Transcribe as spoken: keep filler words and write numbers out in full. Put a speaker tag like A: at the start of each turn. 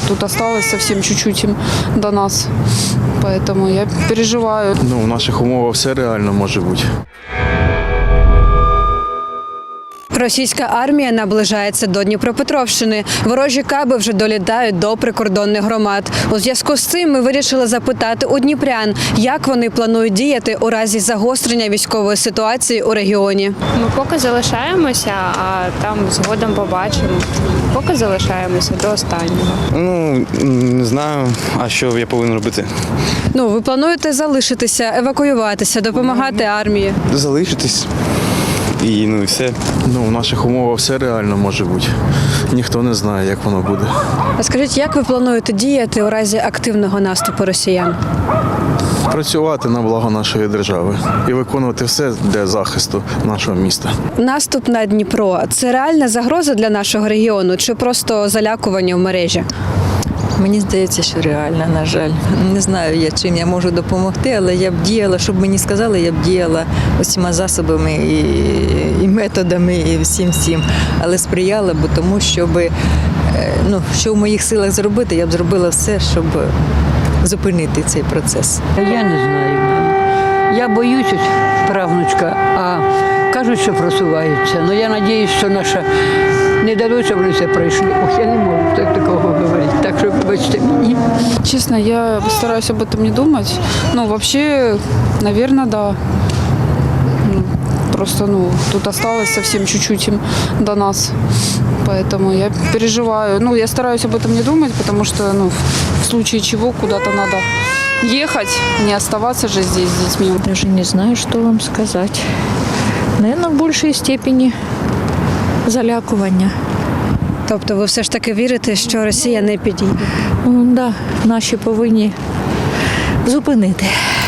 A: тут осталось совсем чуть-чуть им до нас. Поэтому я переживаю.
B: Ну, в наших умовах все реально може бути.
C: Російська армія наближається до Дніпропетровщини. Ворожі каби вже долітають до прикордонних громад. У зв'язку з цим ми вирішили запитати у дніпрян, як вони планують діяти у разі загострення військової ситуації у регіоні.
D: Ми поки залишаємося, а там згодом побачимо. Поки залишаємося до останнього.
E: Ну, не знаю, а що я повинен робити?
C: Ну, ви плануєте залишитися, евакуюватися, допомагати армії?
E: Залишитись. І ну і все.
B: Ну, в наших умовах все реально може бути. Ніхто не знає, як воно буде.
C: А скажіть, як ви плануєте діяти у разі активного наступу росіян?
B: Працювати на благо нашої держави і виконувати все для захисту нашого міста.
C: Наступ на Дніпро – це реальна загроза для нашого регіону чи просто залякування в мережі?
F: Мені здається, що реально, на жаль. Не знаю, я чим я можу допомогти, але я б діяла, щоб мені сказали, я б діяла усіма засобами і, і методами, і всім всім. Але сприяла б тому, щоб, ну, що в моїх силах зробити, я б зробила все, щоб зупинити цей процес.
G: Я не знаю. Я боюсь, правнучка, а кажуть, що просуваються. Ну я сподіваюся, що наша не дадуть, щоб вони все пройшли. Ох, я не можу так такого говорити. Так що вибачте мені.
A: Честно, я стараюсь об этом не думать. Ну, вообще, наверное, да. Ну, Просто, ну, тут осталось совсем чуть-чуть им до нас. Поэтому я переживаю. Ну, я стараюсь об этом не думать, потому что, ну, в случае чего куда-то надо ехать, не оставаться же здесь с детьми.
H: Даже не знаю, что вам сказать. Наверное, в большей степени залякування.
C: Тобто ви все ж таки вірите, що Росія не підійде?
H: Ну, да, наші повинні зупинити.